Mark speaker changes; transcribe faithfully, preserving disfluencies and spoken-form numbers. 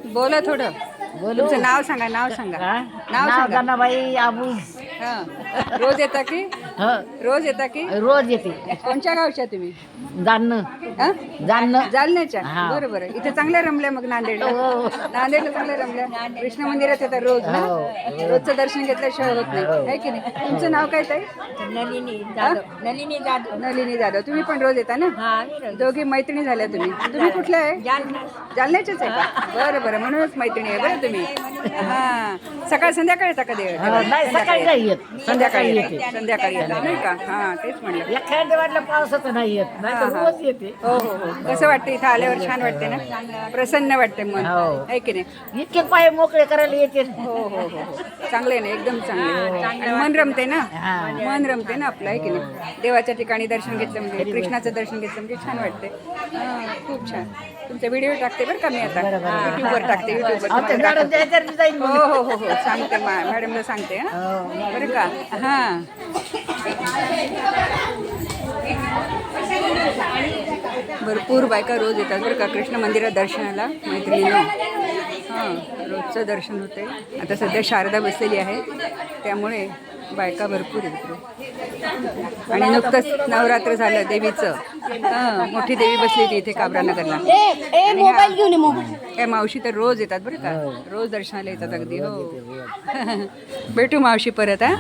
Speaker 1: बोला थोडं.
Speaker 2: बोलू
Speaker 1: तुमचं नाव सांगा, नाव सांगा.
Speaker 2: हा?
Speaker 1: नाव
Speaker 2: नाव
Speaker 1: सांगा.
Speaker 2: गणाबाई आबूज.
Speaker 1: हा. रोज येता की
Speaker 2: ह
Speaker 1: रोज येता की
Speaker 2: रोज येते
Speaker 1: कोणत्या गावच्या तुम्ही?
Speaker 2: जाणं
Speaker 1: हा?
Speaker 2: जाणं
Speaker 1: जालन्याच्या.
Speaker 2: हा.
Speaker 1: बरं बरं. इथे चांगल्या रमल्या मग नांदेडला.
Speaker 2: हो.
Speaker 1: नांदेडला चांगल्या रमल्या. कृष्ण मंदिरात येतात रोज ना.
Speaker 2: हो.
Speaker 1: रोजचं दर्शन घेतल्याशिवाय होत नाही,
Speaker 2: हो.
Speaker 1: आहे की नाही? तुमचं नाव काय ताई?
Speaker 3: नलिनी
Speaker 1: हा?
Speaker 3: जाधव. नलिनी जाधव.
Speaker 1: नलिनी जाधव. तुम्ही पण रोज येता ना?
Speaker 3: हा आम्ही रोज.
Speaker 1: दोघी मैत्रिणी झाल्या तुम्ही. तुम्ही कुठल्या आहे?
Speaker 3: जालना.
Speaker 1: जालन्याच्याच आहे का? बरं बरं. म्हणूनच मैत्रिणी आहे बरं तुम्ही. हा. सकाळ संध्याकाळी येता कधी?
Speaker 2: हा, नाही सकाळी नाही येत
Speaker 1: संध्याकाळी
Speaker 2: येते
Speaker 1: येते. संध्याकाळी येतात नाही का? हा तेच म्हणलं.
Speaker 2: एखाद्या वाटलं पावसाचं नाही येत नाही तर
Speaker 1: हा, हा.
Speaker 2: रोज येते.
Speaker 1: हो हो हो. कसं वाटतं इथं आल्यावर? छान वाटते ना? प्रसन्न वाटते मन,
Speaker 2: हो.
Speaker 1: आहे की नाही?
Speaker 2: इतके पाय मोकळे करायला येते.
Speaker 1: हो हो हो हो. चांगले आहे ना, एकदम चांगले. आणि मन रमते ना,
Speaker 2: हा.
Speaker 1: मन रमते ना आपलं, आहे की नाही? देवाच्या ठिकाणी दर्शन घेतलं म्हणजे, कृष्णाचं दर्शन घेतलं म्हणजे छान वाटते. हा, खूप छान. तुमचा व्हिडिओ टाकते बरं का मी आता, युट्यूबवर टाकते, युट्यूबवर
Speaker 2: आमच्या
Speaker 1: तुम्हाला
Speaker 2: गाडून
Speaker 1: टाकते.
Speaker 2: द्यायचं जाईल
Speaker 1: हो हो हो हो. सांगते मा मॅडमला सांगते. हा बरं का? हां. भरपूर बायका रोज येतात बरं का कृष्ण मंदिरात दर्शनाला, मैत्रिणीनं. हां, रोजचं दर्शन होते. आता सध्या शारदा बसलेली आहे, त्यामुळे बायका भरपूर येतात. आणि नुकतंच नवरात्र झालं देवीचं. हां, मोठी देवी बसली होती इथे काबरानगरला. आणि ह्या- या मावशी तर रोज येतात बरं का, रोज दर्शनाला येतात अगदी. हो. भेटू मावशी परत. हा.